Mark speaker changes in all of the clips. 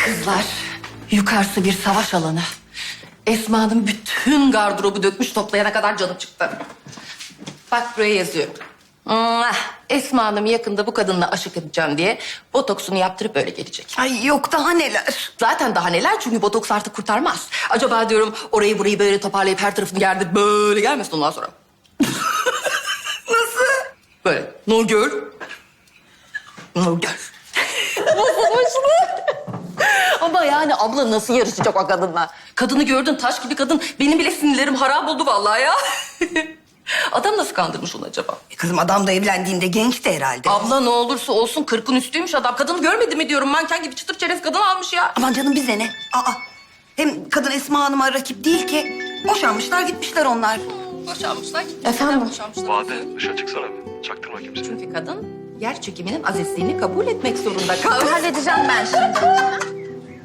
Speaker 1: Kızlar, yukarısı bir savaş alanı. Esma'nın bütün gardırobu dökmüş toplayana kadar canım çıktı. Bak buraya yazıyor. Esma Hanım yakında bu kadınla aşık edeceğim diye botoksunu yaptırıp öyle gelecek.
Speaker 2: Ay yok daha neler.
Speaker 1: Zaten daha neler çünkü botoks artık kurtarmaz. Acaba diyorum orayı burayı böyle toparlayıp her tarafını gerdirip böyle gelmesin ondan sonra.
Speaker 2: Nasıl?
Speaker 1: Böyle Nurgül. Nurgül. Ama yani abla nasıl yarışacak o kadınla? Kadını gördün taş gibi kadın. Benim bile sinirlerim harap oldu vallahi ya. Adam nasıl kandırmış onu acaba?
Speaker 2: Kızım adam da evlendiğinde gençti herhalde.
Speaker 1: Abla ne olursa olsun 40'ın üstüymüş adam. Kadını görmedi mi diyorum manken gibi çıtır çerez kadın almış ya.
Speaker 2: Aman canım bize ne? Aa. Hem kadın Esma Hanım'a rakip değil ki. Boşanmışlar gitmişler onlar.
Speaker 1: Boşanmışlar gitmişler.
Speaker 2: Efendim?
Speaker 1: Boşanmışlar.
Speaker 3: Bade dışarı çıksana bir. Çaktırma kimseye.
Speaker 1: Çünkü kadın yer çekiminin azizliğini kabul etmek zorunda kaldı.
Speaker 4: Halledeceğim ben şimdi.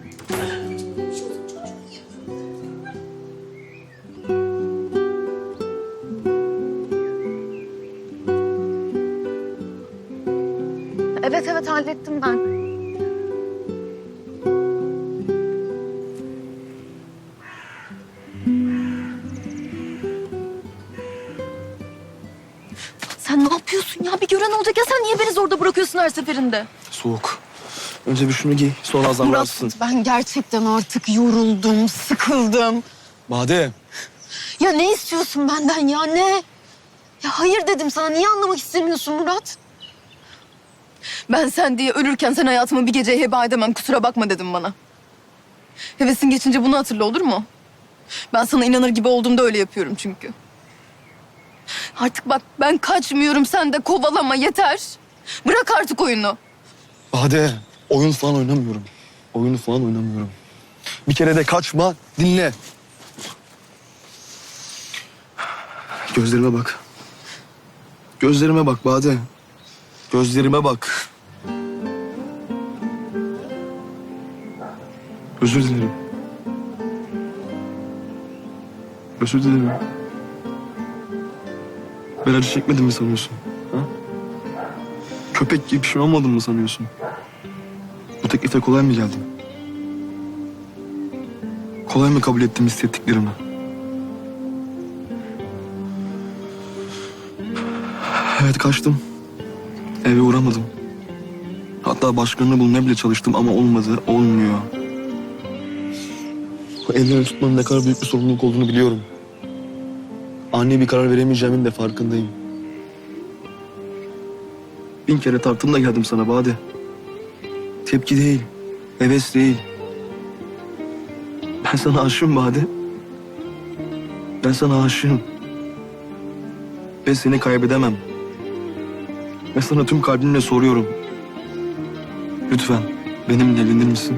Speaker 4: Evet hallettim ben. Sen ne yapıyorsun ya? Bir gören olacak ya sen niye beni zorda bırakıyorsun her seferinde?
Speaker 3: Soğuk. Önce bir şunu giy, sonra azarlarsın.
Speaker 4: Ben gerçekten artık yoruldum, sıkıldım.
Speaker 3: Bade.
Speaker 4: Ya ne istiyorsun benden ya ne? Ya hayır dedim sana. Niye anlamak istemiyorsun Murat? Ben sen diye ölürken sen hayatımı bir geceye heba edemem. Kusura bakma dedim bana. Hevesin geçince bunu hatırla olur mu? Ben sana inanır gibi olduğumda öyle yapıyorum çünkü. Artık bak ben kaçmıyorum. Sen de kovalama yeter. Bırak artık oyunu.
Speaker 3: Bade. Oyun falan oynamıyorum. Oyunu falan oynamıyorum. Bir kere de kaçma, dinle. Gözlerime bak. Gözlerime bak Bade. Gözlerime bak. Özür dilerim. Özür dilerim. Ben acı çekmedim mi sanıyorsun? Ha? Köpek gibi pişman olmadım mı sanıyorsun? Bu teklife kolay mı geldim? Kolay mı kabul ettim hissettiklerimi? Evet kaçtım. Eve uğramadım. Hatta başkanını bulmaya bile çalıştım ama olmadı, olmuyor. Bu ellerini tutmanın ne kadar büyük bir sorumluluk olduğunu biliyorum. Ani bir karar veremeyeceğimin de farkındayım. 1000 kere tarttım da geldim sana Bade. Tepki değil, heves değil. Ben sana aşığım Bade. Ben sana aşığım. Ve seni kaybedemem. Ve sana tüm kalbimle soruyorum. Lütfen benimle evlenir misin?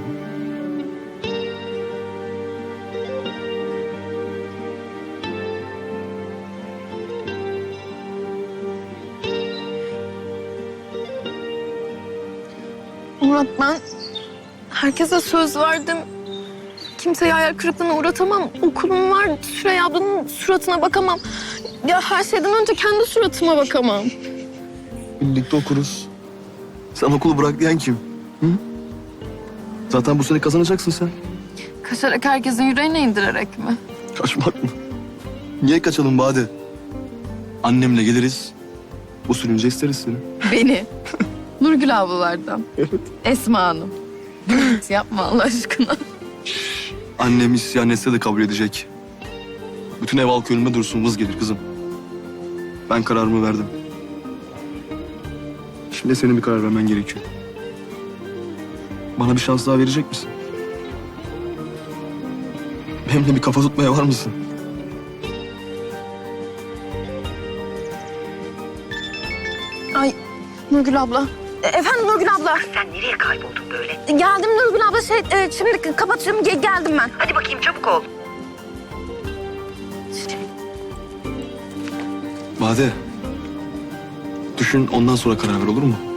Speaker 4: Murat ben herkese söz verdim. Kimseyi hayal kırıklığına uğratamam. Okulum var. Süreyya ablanın suratına bakamam. Ya her şeyden önce kendi suratıma bakamam.
Speaker 3: Birlikte okuruz. Sen okulu bırak diyen kim? Hı? Zaten bu sene kazanacaksın sen.
Speaker 4: Kaçarak herkesin yüreğine indirerek mi?
Speaker 3: Kaçmak mı? Niye kaçalım Bade? Annemle geliriz. Bu sürünce isteriz seni.
Speaker 4: Beni. Nurgül ablalardan.
Speaker 3: Evet.
Speaker 4: Esma Hanım. Yapma Allah aşkına.
Speaker 3: Annem isyan etse de kabul edecek. Bütün ev halkı önüme dursun vız gelir kızım. Ben kararımı verdim. Şimdi senin bir karar vermen gerekiyor. Bana bir şans daha verecek misin? Benimle bir kafa tutmaya var mısın?
Speaker 4: Ay Nurgül abla. Efendim Nurgül abla.
Speaker 2: Sen nereye kayboldun böyle?
Speaker 4: Geldim Nurgül abla. Şimdi kapatıyorum. Geldim ben.
Speaker 2: Hadi bakayım çabuk ol.
Speaker 3: Bade. Düşün ondan sonra karar ver olur mu?